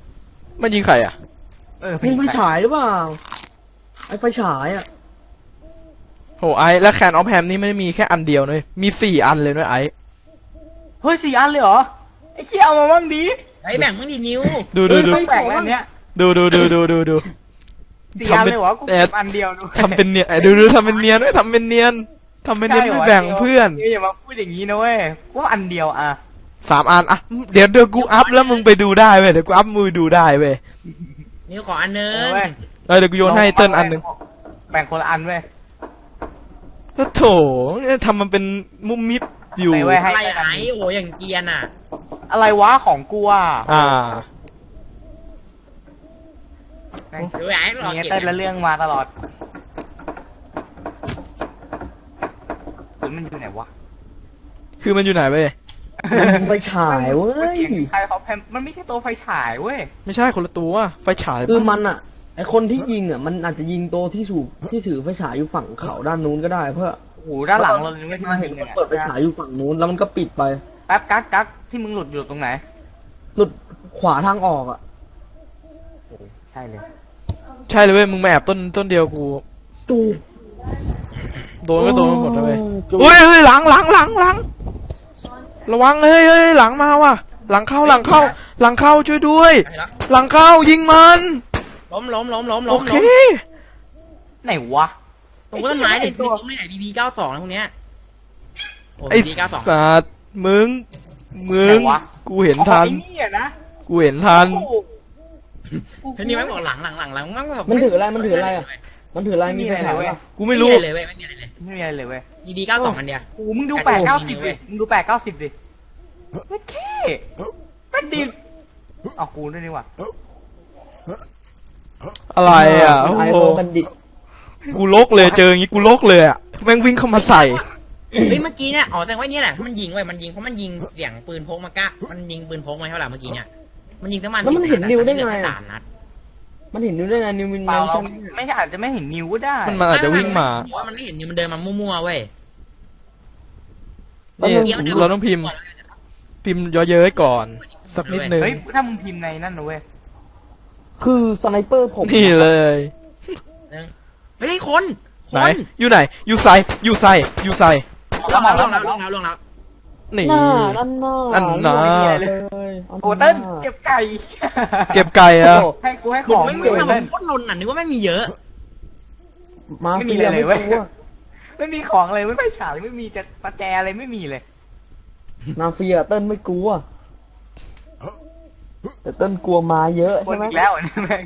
[SPEAKER 2] มันยิงใครอ่ะ
[SPEAKER 5] เออ
[SPEAKER 3] ยิงไฟฉายหรือเปล่าไอ้ไฟฉายอ่ะ
[SPEAKER 2] โหไอแล้วแคนออฟแฮมนี่ไม่ได้มีแค่อันเดียวเลยมีสี่อันเลยด้วยไอ
[SPEAKER 5] เฮ้ยสี่อันเลยเหรอไอ้เชี่ยเอามาบ้างดี
[SPEAKER 4] ไอ้แบ่งมึงดินิ้ว
[SPEAKER 2] ดูดูดู
[SPEAKER 5] เฮ้ยแปลกแล้วเนี้ย
[SPEAKER 2] ดูดูดูดูดูดู
[SPEAKER 5] สี่อันเลยเหรอกูเก็บอันเดียวดู
[SPEAKER 2] ทำเป็นเนียนไอ้ดูดูทำเป็นเนียนด้วยทำเป็นเนียนทำเป็นเนียนไม่แบ่งเพื่อน
[SPEAKER 5] อย่ามาพูดอย่างนี้นะเว้ยกูว่าอันเดียวอ่ะ
[SPEAKER 2] สามอันอ่ะเดี๋ยวเดี๋ยวกูอัพแล้วมึงไปดูได้เว้ยเดี๋ยวกูอัพมือดูได้เว้ย
[SPEAKER 4] นิ้วขออันนึ
[SPEAKER 5] เอง อเว้ย
[SPEAKER 2] เออเดี๋ยวกูโยนให้เติ้ลอันหนึ่ง
[SPEAKER 5] แบ่งคนละอันเว้ย
[SPEAKER 2] ก็โถทำมันเป็นมุมมิดอยู่
[SPEAKER 5] ไหนเว้ย
[SPEAKER 4] อะไรไอ้โอ้อย่างเกียนอ่ะ
[SPEAKER 5] อะไรวะของกูอ่ะ
[SPEAKER 2] อ่า
[SPEAKER 5] แม่ง
[SPEAKER 4] เดี๋ยวไอ้หลอก
[SPEAKER 5] มี
[SPEAKER 4] เก็บ
[SPEAKER 5] เต้นละเรื่องมาตลอดหรือมันอยู่ไหนวะ
[SPEAKER 2] คือมันอยู่ไหนเว้ย
[SPEAKER 3] ยิงไฟฉายเว้ย
[SPEAKER 5] ใครเขาแพมมันไม่ใช่ตัวไฟฉายเว้ย
[SPEAKER 2] ไม่ใช่คนละตัวไฟฉาย
[SPEAKER 3] คือมันอ่ะไอคนที่ยิงอ่ะมันอาจจะยิงตัวที่ถูกที่ถือไฟฉายอยู่ฝั่งเขาด้านนู้นก็ได้เพื่อ
[SPEAKER 5] โอ้โหด้านหลังเราเลยไม่ที่
[SPEAKER 3] มา
[SPEAKER 5] มัน
[SPEAKER 3] เห็
[SPEAKER 5] เห็
[SPEAKER 3] น
[SPEAKER 5] น
[SPEAKER 3] มัน
[SPEAKER 5] เนี่ย
[SPEAKER 3] เปิดไฟฉายอยู่ฝั่งนู้นแล้วมันก็ปิดไป
[SPEAKER 5] แป๊บกั๊กกั๊กที่มึงหลุดอยู่ตรงไหน
[SPEAKER 3] หลุดขวาทางออกอ่ะ
[SPEAKER 5] โอ้ใช่เลย
[SPEAKER 2] ใช่เลยเว้ยมึงมาแอบต้นต้นเดียวกู
[SPEAKER 3] ตู
[SPEAKER 2] โดนก็โดนไปหมดเลยเว้ย
[SPEAKER 3] จู
[SPEAKER 2] เฮ้ยเฮ้ยหลังหลังหลังหลังระวังเฮ้ยเฮ้ยหลังมาว่ะหลังเข้าหลังเข้า หลังเข้าช่วยด้วย
[SPEAKER 4] ไปแล้ว
[SPEAKER 2] หลังเข้ายิงมัน
[SPEAKER 4] ล้มล้มล้มล้ม
[SPEAKER 2] โอ
[SPEAKER 4] ล้ม
[SPEAKER 2] เค
[SPEAKER 4] ล้ม
[SPEAKER 5] ไหนวะ
[SPEAKER 4] ตรงต้นไม้เนี่ยล้มไม่ไหนบีบีเก้าสองนะพวกเนี้ยโอ้
[SPEAKER 2] ไอ้
[SPEAKER 4] บีบีเก้าสอง
[SPEAKER 2] สัตว์มึงมึงกูเห็น
[SPEAKER 5] อ๋อ
[SPEAKER 2] ทัน
[SPEAKER 5] ไอ้นี่อะนะ
[SPEAKER 2] กูเห็นทัน
[SPEAKER 5] โอ้โห
[SPEAKER 4] เฮ้ยนี่ไม่บอกหลังหลังหลังหลังมันแบบ
[SPEAKER 3] มันถืออะไรมันถืออะไรอ่ะมันถืออะไรมีไฟฉายป่ะ
[SPEAKER 2] กูไม่รู้
[SPEAKER 4] ไม่เลยเว้ยไม่มีอะไรเลย
[SPEAKER 5] ไม่มีอะไรเลยเว้ย
[SPEAKER 4] บีบีเก้าสองอันเดียว
[SPEAKER 5] โอ้โหมึงดูแปดเก้าสิบดิมึงดูแปดเก้าสิบดิไม่เท่ไม่ดีเอากูด้วยนี่หว่า
[SPEAKER 2] อะไรอ่ะโอ้
[SPEAKER 3] ไอ
[SPEAKER 2] โห
[SPEAKER 3] โอบัณฑิต
[SPEAKER 2] กูลกเลยเจออย่างงี้กูลกเลยอ่ะแม่งวิ่งเข้ามาใส่
[SPEAKER 4] เฮ้ยเมื่อกี้เนี่ยอ๋อแสดงว่าเนี่ยแหละมันยิงไว้มันยิงเพราะมันยิงเสียงปืนพกมากะมันยิงปืนพกมาเท่าไหร่เมื่อกี้เนี่ยมันยิงทั้งมัน
[SPEAKER 3] แล้วมันเห็นนิวได้ไง
[SPEAKER 4] สามนัด
[SPEAKER 3] มันเห็นนิวได้ไงนิวมิน
[SPEAKER 5] เปล่า
[SPEAKER 3] ไม่
[SPEAKER 5] เรา
[SPEAKER 3] ใช่
[SPEAKER 5] ไม่ใช่อาจจะไม่เห็นนิ้วก็ได้
[SPEAKER 2] มันมันอาจจะวิ่งมา
[SPEAKER 4] ว่ามันไม่เห็นนิวมันเดินมามั่วๆเว้ย
[SPEAKER 2] นี่เราต้องพิมพ์ พิมพ์ย่อเย้ยก่อน สักนิดนึง
[SPEAKER 5] เฮ้ยถ้ามึงพิมพ์ในนั่นนะเว้ย
[SPEAKER 3] คือสไนเปอร์ผม
[SPEAKER 2] นี่เลย
[SPEAKER 4] เฮ้ยคน
[SPEAKER 2] ไหน
[SPEAKER 4] คน
[SPEAKER 2] อยู่ไหน อยู่ใส่อยู่ใส่อยู่ใส่
[SPEAKER 4] ลงแล้วลงแล้วลงแล้วลงแล้ว
[SPEAKER 2] นี่
[SPEAKER 3] หน้าอันหน้า
[SPEAKER 2] อันหน้า
[SPEAKER 3] เลย
[SPEAKER 5] โอ้เต้นเก็บไก่
[SPEAKER 2] เก็บไก่อะ
[SPEAKER 5] ให้กูให้
[SPEAKER 4] ข
[SPEAKER 5] ข
[SPEAKER 4] อ
[SPEAKER 5] อง ง
[SPEAKER 4] ไม่
[SPEAKER 5] มึ
[SPEAKER 4] มี
[SPEAKER 5] ง
[SPEAKER 4] ทำ
[SPEAKER 5] เต้น
[SPEAKER 4] โคตรลนอ่ะนึกว่าไม่มีเยอะ
[SPEAKER 3] มา
[SPEAKER 5] ไม่มี
[SPEAKER 3] เฟี
[SPEAKER 5] อะไรเลยเว้ย
[SPEAKER 3] ไม่กลัว
[SPEAKER 5] ไม่มีของเลยไม่ไปฉายไม่มีจะประแจอะไรไม่มีเลย
[SPEAKER 3] มาเฟียเติ้ลไม่กลัวแต่เติ้ลกลัวมาเยอะ
[SPEAKER 5] ค
[SPEAKER 3] ใช่
[SPEAKER 5] น
[SPEAKER 3] ไหม
[SPEAKER 5] อีกแล้วอันนี้แม่ง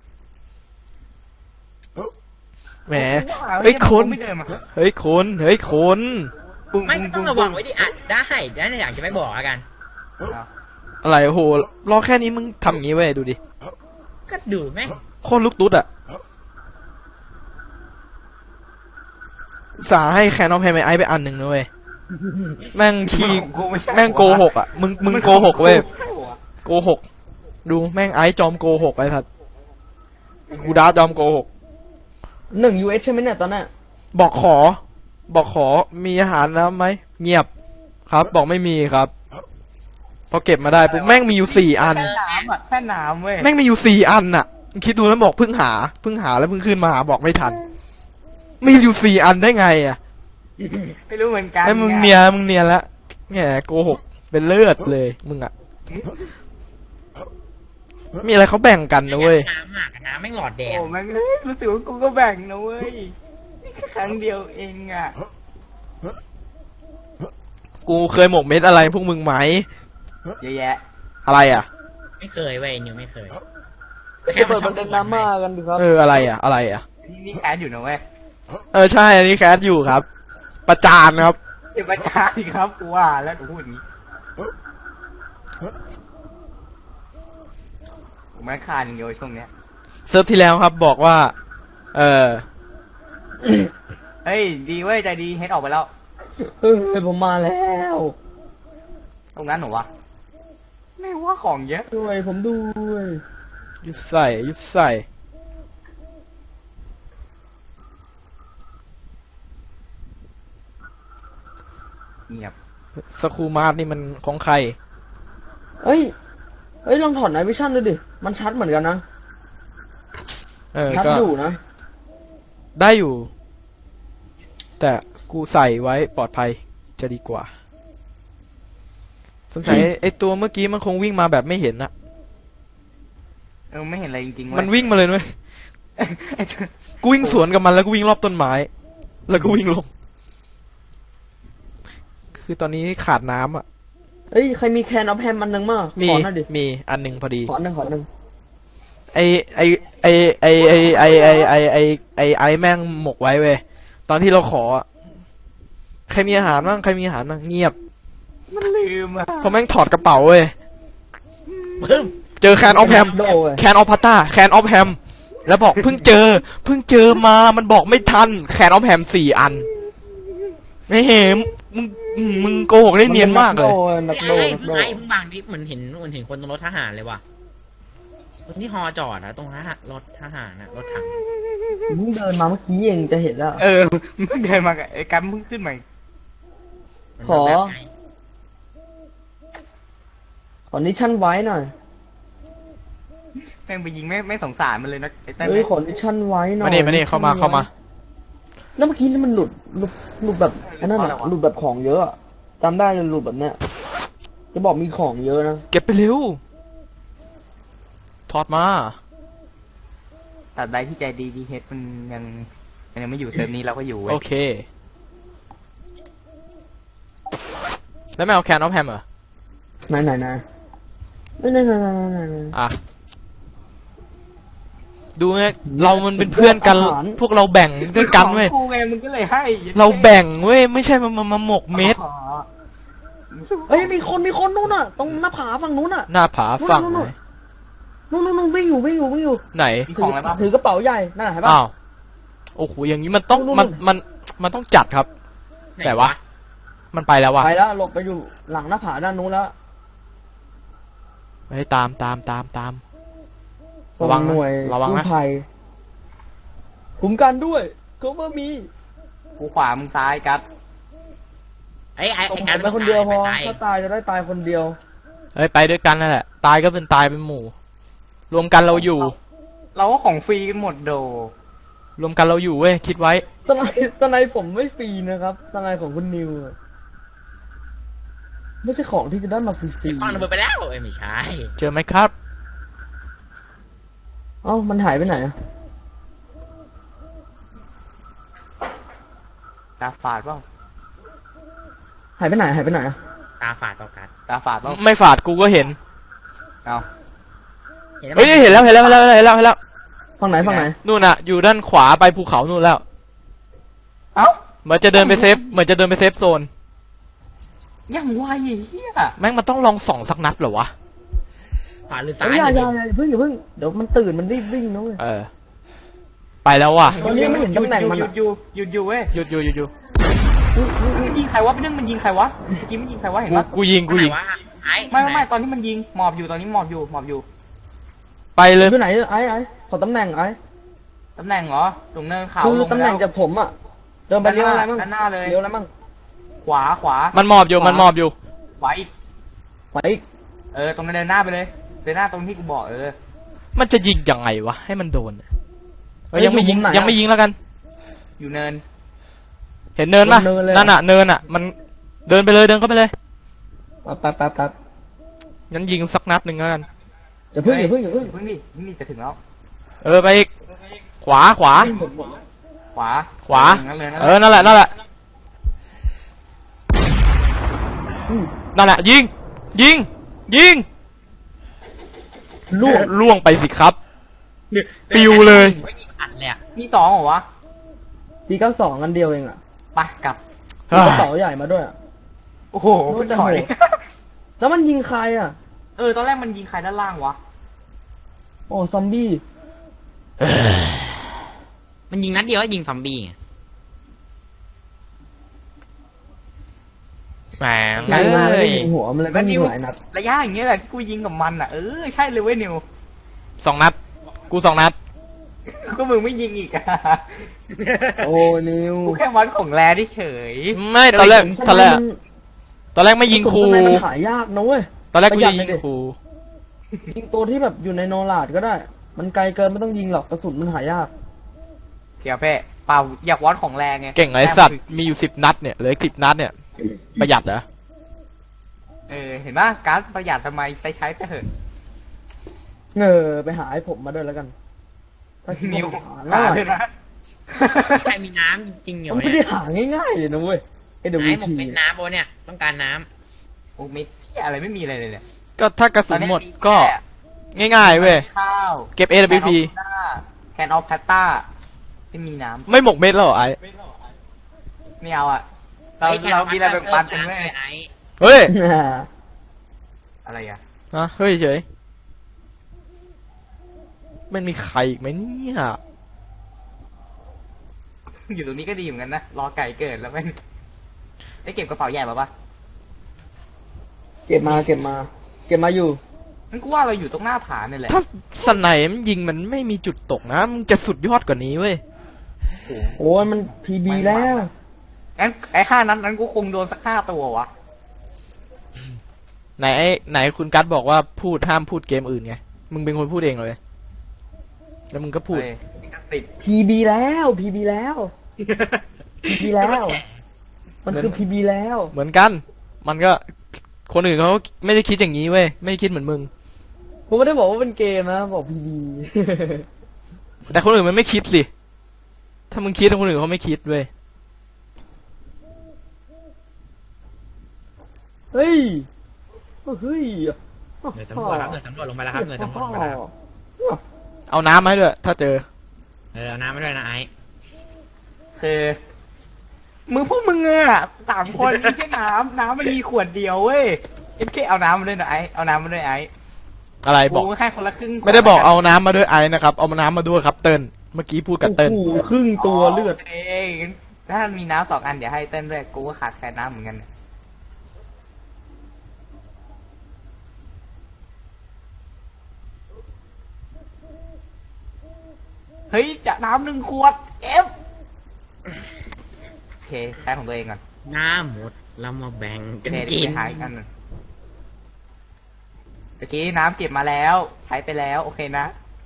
[SPEAKER 2] แหมเฮ้ยคน
[SPEAKER 5] ไม่เดินมา
[SPEAKER 2] เฮ้ยคนเฮ้ยคน
[SPEAKER 5] ปุ้ง
[SPEAKER 4] ไม่
[SPEAKER 5] ปุ้ง
[SPEAKER 4] ก็ต้
[SPEAKER 5] ปุ้
[SPEAKER 4] อง งระวังไว้ดิอ่ะได้ได้อยากจะไม่บอกแล้วกัน
[SPEAKER 5] อ้าว
[SPEAKER 2] อะไรโอ้โหรอแค่นี้มึงทำอย่างงี้เว้ยดูดิ
[SPEAKER 4] ก็ดูแม่ง
[SPEAKER 2] โคตรลูกตุ๊ดอะสาให้แคนออฟแฮมไอไปอันหนึ่งนะเว้ยแม่งขี้
[SPEAKER 5] ของกูไใช่
[SPEAKER 2] แม่งโกหกอ่ะ มึงมึงโกหกเว้ย โกหก ดูแม่งไอซ์จอมโกหกไอ้ทัดกูดาจอมโกหก
[SPEAKER 3] หนึ่งยูเอสใช่ไหมเนี่ยตอนนั้น
[SPEAKER 2] บอกขอ บอกขอมีอาหารน้ำไหม เงียบ ครับ บอกไม่มีครับ พอเก็บมาได้ปุ๊บแม่งมีอยู่สี่อัน
[SPEAKER 5] แค่น้ำอ่ะแค่น้ำเว้ย
[SPEAKER 2] แม่งมีอยู่สี่อันน่ะมึงคิดดูแล้วบอกเพิ่งหา เพิ่งหาแล้วเพิ่งขึ้นมาหาบอกไม่ทัน มีอยู่สี่อันได้ไงอ่ะ
[SPEAKER 5] ไม่รู้เหมือนกัน
[SPEAKER 2] ไอ้มึงเนียนมึงเนียนละแหมโกหกเป็นเลือดเลย มึงอ่ะ มีอะไรเขาแบ่งกันนะเว้ย
[SPEAKER 4] น้ำหมากน้ำไม่หลอดแดง
[SPEAKER 5] โอ้แม่งเลยรู้สึกว่ากูก็แบ่งนะเว้ยนี่แค่ครั้งเดียวเองอ่ะ
[SPEAKER 2] กูเคยหมกเม็ดอะไรพวกมึงไหม
[SPEAKER 5] เยอะแยะ
[SPEAKER 2] อะไรอ่ะ
[SPEAKER 4] ไม่เคยเว้ยนิวไม่เคย
[SPEAKER 3] จะเปิดประเด็นดราม่ากันดีครับ
[SPEAKER 2] เอออะไรอ่ะ อะไรอ่ะ
[SPEAKER 5] นี่นี่แคสอยู่นะเว้ย
[SPEAKER 2] เออใช่อันนี้แคสอยู่ครับ ประจานครับ
[SPEAKER 5] เดี๋ยวประจานสิครับกูว่าแล้วกูพูดอย่างนี้ผมแม่งคานอย่างเดียวช่วงเนี้ย
[SPEAKER 2] เซิร์ฟที่แล้วครับบอกว่า เออ
[SPEAKER 5] เฮ้ยดีเว้ยใจดีเฮดออกไปแล้ว
[SPEAKER 3] เฮ้ยผมมาแล้ว
[SPEAKER 5] ตรงนั้นเหรอวะไม่ว่าของเยอะ
[SPEAKER 3] ด้วยผมด้วย
[SPEAKER 2] ยุดใส่ยุดใส่
[SPEAKER 5] เงียบ
[SPEAKER 2] สคูมาร์ทนี่มันของใคร
[SPEAKER 3] เอ้ยเฮ้ยลองถอดไนวิชั่นดูดิมันชัดเหมือนกันนะ
[SPEAKER 2] เออ
[SPEAKER 3] ชัด
[SPEAKER 2] ก็
[SPEAKER 3] อยู่นะ
[SPEAKER 2] ได้อยู่ แต่กูใส่ไว้ปลอดภัยจะดีกว่าสงสัยไอตัวเมื่อกี้มันคงวิ่งมาแบบไม่เห็นอะ
[SPEAKER 5] เออไม่เห็นอะไรจริงๆเว้ย
[SPEAKER 2] มันวิ่งมาเลยด้วย
[SPEAKER 5] ไอ้เจ้า
[SPEAKER 2] กูวิ่งสวนกับมันแล้วก็วิ่งรอบต้นไม้ แล้วก็วิ่งลง คือตอนนี้ขาดน้ำอ่ะ
[SPEAKER 3] เฮ้ยใครมีแคนออฟแฮมอันหนึ่งมั้ง
[SPEAKER 2] มี
[SPEAKER 3] ขอหน่อยดิ
[SPEAKER 2] มีอันหนึ่งพอดี
[SPEAKER 3] ขอหนึ่งขอหนึ่ง
[SPEAKER 2] ไอไอไอไอไอไอไอไอไอไอไอแม่งหมกไว้เว้ย ตอนที่เราขออะใครมีอาหารบ้างใครมีอาหารบ้างเงียบ
[SPEAKER 5] มันลืมอ่ะ
[SPEAKER 2] เพราะแม่งถอดกระเป๋าเว้ย
[SPEAKER 4] ปึ้ม
[SPEAKER 2] เจอแคนออฟแฮม
[SPEAKER 3] โดเว้ย
[SPEAKER 2] แคนออฟพัตตาแคนออฟแฮมแล้วบอกเพิ่งเจอ เพิ่งเจอมา มันบอกไม่ทัน แคนออฟแฮมสี่อัน ไม่เห็นมึงมึงโกหกได้เนียนมากเลย
[SPEAKER 3] นักโด
[SPEAKER 4] ไอ้
[SPEAKER 3] นักโด
[SPEAKER 4] ไอ้เพิ่งบางดิเหมือนเห็นเหมือนเห็นคนตรงรถทหารเลยว่ะรถที่ฮอจอดอะตรงทหารรถทหารอะรถถัง
[SPEAKER 3] มึงเดินมาเมื่อกี้เองจะเห็นแล้ว
[SPEAKER 5] เออมึงเดินมากับไอ้กันเพิ่งขึ้นมา
[SPEAKER 4] มัน
[SPEAKER 3] ขอ
[SPEAKER 4] แบบไหน
[SPEAKER 3] ขอนิชั่นไว้หน่อย
[SPEAKER 5] แม่งไปยิงไม่ไม่สงสารมันเลยนะไอ้เต้น
[SPEAKER 3] เฮ้ยขอนิชั่นไว้หน่อย
[SPEAKER 2] มานี่มานี่เข้ามาเข้ามา
[SPEAKER 3] แล้วเมื่อกี้นี่มันหลุดหลุดหลุดแบบอันนั้นอะหลุดแบบของเยอะอะจำได้เลยหลุดแบบเนี้ยจะบอกมีของเยอะนะ
[SPEAKER 2] เก็บไปเร็ว ถอดมา
[SPEAKER 5] แต่ใดที่ใจดีดีเฮดมันยังมันยังไม่อยู่เซิร์ฟนี้เราก็อยู่เว้ย
[SPEAKER 2] โอเค แล้วไม่เอาแคนออฟแฮมเหรอ
[SPEAKER 3] ไหนไหนไหนไหนไหนไหนไหนไหนไหน
[SPEAKER 2] อ่ะ ดูไงเรามันเป็นเพื่อนกัน
[SPEAKER 3] อาหาร
[SPEAKER 2] พวกเราแบ่งด้วยกันเว้ย
[SPEAKER 5] ของกูไงมึงก็เลยให้
[SPEAKER 2] เราแบ่งเว้ย ไม่ใช่มามามาหมกเม็ด
[SPEAKER 5] อ๋อ
[SPEAKER 3] เฮ้ยมีคนมีคนนู่นน่ะ ตรงหน้าผาฝั่งนู้นน่ะ
[SPEAKER 2] หน้าผาฝั่งไหน
[SPEAKER 3] นู่นนู่นนู่นวิ่งอยู่วิ่งอยู่วิ่งอยู่
[SPEAKER 2] ไหน
[SPEAKER 5] มีของอะไรบ้าง
[SPEAKER 3] ถือกระเป๋าใหญ่นั่นน่ะเห็นปะ
[SPEAKER 2] อ้าว โอ้โห อย่างนี้มันต้อง
[SPEAKER 3] นู่น
[SPEAKER 2] มัน
[SPEAKER 3] นู่น
[SPEAKER 2] มัน มันต้องจัดครับ
[SPEAKER 4] ไหน
[SPEAKER 2] แต่ว่า มันไปแล้วว่ะ
[SPEAKER 3] ไปแล้วหลบไปอยู่หลังหน้าผาด้านนู้นแล้ว
[SPEAKER 2] เฮ้ยตามตามตามตาม
[SPEAKER 3] ตร
[SPEAKER 2] ระวัง
[SPEAKER 3] ง
[SPEAKER 2] นะ
[SPEAKER 3] หน่วย
[SPEAKER 2] ระวังนะ
[SPEAKER 3] กู้ภัยคุ้มกันด้วยเขาเมื่อมี
[SPEAKER 5] กูขวามึงซ้ายกัด
[SPEAKER 4] ไอ้ไอ้
[SPEAKER 3] ส่ง
[SPEAKER 4] ไอ้
[SPEAKER 3] ผ
[SPEAKER 4] การ
[SPEAKER 3] มไปคนเดียวพอ
[SPEAKER 4] ตาย
[SPEAKER 3] ถ้าตายจะได้ตายคนเดียว
[SPEAKER 2] เฮ้ยไปด้วยกันนั่นแหละ ตายก็เป็นตายเป็นหมู่ รวมกันเราอยู่
[SPEAKER 5] เราก็ของฟรีกันหมดโด
[SPEAKER 2] รวมกันเราอยู่เว้ย คิดไว้
[SPEAKER 3] สไนสไนผมไม่ฟรีนะครับสไนของคุณนิวอะไม่ใช่ของที่จะได้มาฟรี
[SPEAKER 4] ฟังระเบิดไปแล้วเอ้ยไม่ใช่
[SPEAKER 2] เจอไหมครับ
[SPEAKER 3] ๆเอ้ามันหายไปไหนอะ
[SPEAKER 5] ตาฝาดเปล่า
[SPEAKER 3] หายไปไหนหายไปไหนอะ
[SPEAKER 4] ตาฝาดต่อกัน
[SPEAKER 5] ตาฝาดเปล่า
[SPEAKER 2] ไม่ฝาดกูก็เห็น
[SPEAKER 5] เอา
[SPEAKER 4] ไหม
[SPEAKER 2] เฮ้ยเห็นแล้วเห็นแล้วเห็นแล้วเห็นแล้วเห็นแล้ว
[SPEAKER 3] ฝั่งไหนฝั่งไหน
[SPEAKER 2] นู่นน่ะ อยู่ด้านขวาไปภูเขานู่นแล้ว
[SPEAKER 5] เอ้า
[SPEAKER 2] เหมือนจะเดินไปเซฟ เหมือนจะเดินไปเซฟโซน
[SPEAKER 5] ยังไวไอ้เหี้ย
[SPEAKER 2] แม่งมันต้องลองส่องสักนัดเหรอวะ
[SPEAKER 4] ขวาหรือ
[SPEAKER 3] เอ้
[SPEAKER 4] ซ้าย ย
[SPEAKER 3] อย่าอย่า
[SPEAKER 4] เนี่ย
[SPEAKER 3] อย่าเพิ่งอย่าเพิ่งเดี๋ยวมันตื่นมันรีบวิ่งนะเว้ย
[SPEAKER 2] เออ ไปแล้วว่ะ
[SPEAKER 3] ตอนนี้ไม่เห็นตำแหน่งมัน
[SPEAKER 5] หยุ
[SPEAKER 3] อะ
[SPEAKER 5] ดอยู่หยุดอยู่เว้ย
[SPEAKER 2] หยุดอยู่หยุดอยู่
[SPEAKER 5] มันยิงใครวะเป็นเรื่องมันยิงใครวะเมื่อกี้มันยิงใครวะเห็น
[SPEAKER 2] กู
[SPEAKER 5] ปะ
[SPEAKER 2] กูยิงกูยิง
[SPEAKER 4] ไหนวะไอ้
[SPEAKER 5] ไม่ไม่ไม่ตอนที่มันยิงหมอบอยู่ตอนนี้หมอบอยู่หมอบอยู่
[SPEAKER 2] ไปเลย
[SPEAKER 3] อยู่ไหนไอ้ไอ้ขอตำแหน่งไอ้
[SPEAKER 5] ตำแหน่งเหรอตรงเนินเขา
[SPEAKER 3] คือ
[SPEAKER 5] ลง
[SPEAKER 3] ตำแหน่งจากผมอะเดินไปเลี้ยวอะไรมั่ง
[SPEAKER 5] ด้านหน้าเลย
[SPEAKER 3] เลี้ยวอะไรมั่ง
[SPEAKER 5] ขวาขวา
[SPEAKER 2] มันหมอบอยู่ มันหมอบอยู่
[SPEAKER 5] ขวาอีก
[SPEAKER 3] ไปอีก
[SPEAKER 5] เออตรงนั้นเดินหน้าไปเลยเดินหน้าตรงที่กูบอกเออ
[SPEAKER 2] มันจะยิงยังไงวะ ให้มันโดนเอ้ยยังไม่ยิง
[SPEAKER 3] อยู่มุมไหนอะ
[SPEAKER 2] ยังไม่ยิงแล้วกัน
[SPEAKER 5] อยู่เนิน
[SPEAKER 2] เห็นเนินปะ
[SPEAKER 3] เนินเลยอะ
[SPEAKER 2] นั่นน่ะ เนินอ่ะ มันเดินไปเลย เดินเข้าไปเลย
[SPEAKER 3] แป๊บแป๊บแป๊บ
[SPEAKER 2] งั้นยิงสักนัดหนึ่งแล้วกัน
[SPEAKER 3] อย่าเพิ่งอย่าเพิ่งอย่าเพิ่ง
[SPEAKER 5] เพิ่งดินี่จะถึงแล้ว
[SPEAKER 2] เออ ไปอีก ขวา ขวา
[SPEAKER 5] ขวา
[SPEAKER 2] ขวา
[SPEAKER 5] นั่นเลย
[SPEAKER 2] เออ นั่นแหละ นั่นแหละ
[SPEAKER 3] อืม
[SPEAKER 2] นั่นแหละ ยิง ยิง ยิง
[SPEAKER 3] ลูก
[SPEAKER 2] ล่วงไปสิครับ ปิวเลย
[SPEAKER 4] ไม่ยิงอัดเลยอะ
[SPEAKER 5] มีสองเหรอวะ
[SPEAKER 3] ปีเก้าสองอันเดียวเองอะ
[SPEAKER 5] ไปกลับ
[SPEAKER 3] มีกระเป๋าใหญ่มาด้วยอะ
[SPEAKER 5] โอ้โห
[SPEAKER 3] โน้ต
[SPEAKER 5] ถอย
[SPEAKER 3] โหด แล้วมันยิงใครอะ
[SPEAKER 5] เออตอนแรกมันยิงใครด้านล่างวะ
[SPEAKER 3] โอ้ซอมบี้
[SPEAKER 4] มันยิงนัดเดียวก็ยิงซอมบี้ไง
[SPEAKER 2] แหม
[SPEAKER 3] ยิงมาแล้ว
[SPEAKER 2] เอ้
[SPEAKER 3] ก็
[SPEAKER 2] ย
[SPEAKER 3] ยิงหัวมันเลยก็
[SPEAKER 5] แล้ว
[SPEAKER 3] ยิ
[SPEAKER 5] นิ
[SPEAKER 3] ง
[SPEAKER 5] ว
[SPEAKER 3] หลายนัด
[SPEAKER 5] ระยะอย่างเงี้ยแหละที่กูยิงกับมันอ่ะเออใช่เลยเว้ยนิว
[SPEAKER 2] สองนัด กูสองนัด
[SPEAKER 5] ก็มึงไม่ยิงอีกอะ
[SPEAKER 3] โอ้นิว
[SPEAKER 5] กูแค่วัดของแรที่เฉย
[SPEAKER 2] ไม่ ตอนแรก ตอนแรก
[SPEAKER 3] มัน
[SPEAKER 2] ตอนแรกไม่ยิงครู
[SPEAKER 3] ทำไมมันหายากนะเว้ย
[SPEAKER 2] ตอนแรกกู
[SPEAKER 3] ประหยั
[SPEAKER 2] จะ
[SPEAKER 3] ด
[SPEAKER 2] ยิง
[SPEAKER 3] เลยดิ
[SPEAKER 2] ครู
[SPEAKER 3] ยิงตัวที่แบบอยู่ในโนลาดก็ได้ มันไกลเกินไม่ต้องยิงหรอกกระสุนมันหายาก
[SPEAKER 5] เพียวเพ่เปล่าอยากวัดของแรงไง
[SPEAKER 2] เก่งไอ้สัตว์มีอยู่สิบนัดเนี่ยเหลือสิบนัดเนี่ยประหยัดเหรอ
[SPEAKER 5] เออเห็นปะการดประหยัดทำไมใช้ใช้ไปเถอะ
[SPEAKER 3] เออไปหาให้ผมมาด้วยแล้วกันถ้าคิด
[SPEAKER 5] นิ้ว
[SPEAKER 3] ว่าหา
[SPEAKER 5] หา
[SPEAKER 3] ง่าย
[SPEAKER 5] เลยนะ
[SPEAKER 4] ใครมีน้ำจริงๆอยู่
[SPEAKER 3] มัน
[SPEAKER 4] เนี่
[SPEAKER 3] ไม่ได้
[SPEAKER 4] ย
[SPEAKER 3] หาง่ายๆเลยนะเว้ยไอเด
[SPEAKER 4] ไอ้
[SPEAKER 3] วี
[SPEAKER 4] หมก
[SPEAKER 3] พี
[SPEAKER 4] เป็นน้ำโบเนี่ยต้องการน้
[SPEAKER 5] โอ้ไม่ที่อะไรไม่มีอะไรเลยเนี่ย
[SPEAKER 2] ก็ถ้ากระสุนหมด
[SPEAKER 5] ตอนนี้
[SPEAKER 2] ก็
[SPEAKER 5] แค่
[SPEAKER 2] ง่ายๆเว้ย
[SPEAKER 5] ข้าว
[SPEAKER 2] เก็บ เอ ดับเบิลยู พี
[SPEAKER 5] แคนออฟแพตต้าที่มีน้
[SPEAKER 2] ไม่หมกเม็ดแล้วเหรอไอ้
[SPEAKER 5] ำไม่เอาอ่ะ
[SPEAKER 4] ำ
[SPEAKER 5] เรา
[SPEAKER 4] ฮ้ยแค่
[SPEAKER 5] เรามีอะไรแบ่งปันกัน
[SPEAKER 4] เพิ่
[SPEAKER 5] ไหม
[SPEAKER 4] มำด้วยไอ้
[SPEAKER 2] เฮ้ย
[SPEAKER 5] อะไรอ่ะ
[SPEAKER 2] อะเฮ้ยเฉยมันมีใครอีกไหมเนี่ย
[SPEAKER 5] อยู่ตรงนี้ก็ดีเหมือนกันนะ รอไก่เกิดแล้วแม่งได้เก็บกระเป๋าใหญ่มาปะ
[SPEAKER 3] เก็บมาเก็บมา เก็บมาอยู่
[SPEAKER 5] มันกูว่าเราอยู่ตรงหน้าผาเนี่ยแหละ
[SPEAKER 2] ถ้าสไนป์มันยิงมันไม่มีจุดตกนะมึงจะสุดยอดกว่านี้เว้ย
[SPEAKER 3] โอ้ยมันพีบีแล้ว
[SPEAKER 5] งั้นไอ้ห้านั้นนั้นกูคงโดนสักห้าตัววะ
[SPEAKER 2] ไหนไอ้ไหนคุณกัตบอกว่าพูดห้ามพูดเกมอื่นไงมึงเป็นคนพูดเองเลยแล้วมึงก็พูด
[SPEAKER 5] เฮ้ยติด
[SPEAKER 3] พีบีแล้วพีบีแล้วพีบีแล้ว มันคือพีบีแล้ว
[SPEAKER 2] เหมือนกัน มันก็คนอื่นเขาไม่ได้คิดอย่างนี้เว้ยไม่ได้คิดเหมือนมึง
[SPEAKER 3] ผมไม่ได้บอกว่าเป็นเกมนะบอกพีบี
[SPEAKER 2] แต่คนอื่นมันไม่คิดสิถ้ามึงคิดคนอื่นเขาไม่คิดเว้ย
[SPEAKER 3] เฮ้ยเฮ้ย
[SPEAKER 4] หน่วยสำรวจครับหน่วยสำรวจลงไปแล้วครับหน่วยสำรวจลงไปแล้ว
[SPEAKER 2] เอาน้ำมาให้ด้วยถ้าเจอ
[SPEAKER 4] เออเอาน้ำมาด้วยนะไอ้
[SPEAKER 5] คือมือพวกมึงอะสามคนมีแค่น้ำน้ำมันมีขวดเดียวเว้ยเอ็มเคเอาน้ำมาด้วยนะไอเอาน้ำมาด้วยไอ
[SPEAKER 2] อะไรบอก
[SPEAKER 5] กูให้คนละครึ่ง
[SPEAKER 2] ไม่ได้บอกเอาน้ำมาด้วยไอ้นะครับเอาน้ำมาด้วยครับเติ้ลเมื่อกี้พูดกับเติ้ล
[SPEAKER 3] โอ้โหครึ่งตัวเลือด
[SPEAKER 5] เองถ้ามีน้ำสองอันเดี๋ยวให้เต้นด้วยกูก็ขาดแคลนน้ำเหมือนกันเฮ้ยจะน้ำหนึ่งขวดเอฟโอเคใช้ของตัวเองก่อน
[SPEAKER 4] น้ำหมดเรามาแบ่ง
[SPEAKER 5] โอ
[SPEAKER 4] กัน
[SPEAKER 5] เค
[SPEAKER 4] กิ
[SPEAKER 5] เดี๋ย
[SPEAKER 4] น
[SPEAKER 5] วไปหาอีกอันหนึ่งเมื่อกี้น้ำเก็บมาแล้ว ใช้ไปแล้วโอเคนะ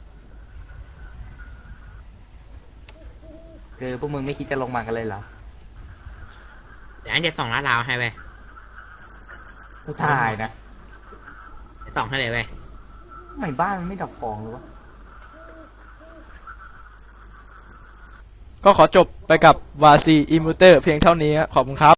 [SPEAKER 5] คือพวกมึงไม่คิดจะลงมากันเลยเหรอ
[SPEAKER 4] เดี๋ยวอันเดียวสองล้านลาวให้ไป
[SPEAKER 5] ผู้ชายนะ
[SPEAKER 4] สองให้เลยไป
[SPEAKER 5] ทำไมบ้านมันไม่ดับฟองหรือวะ
[SPEAKER 2] ก็ขอจบไปกับวาซีอิมูเตอร์เพียงเท่านี้ครับขอบคุณครับ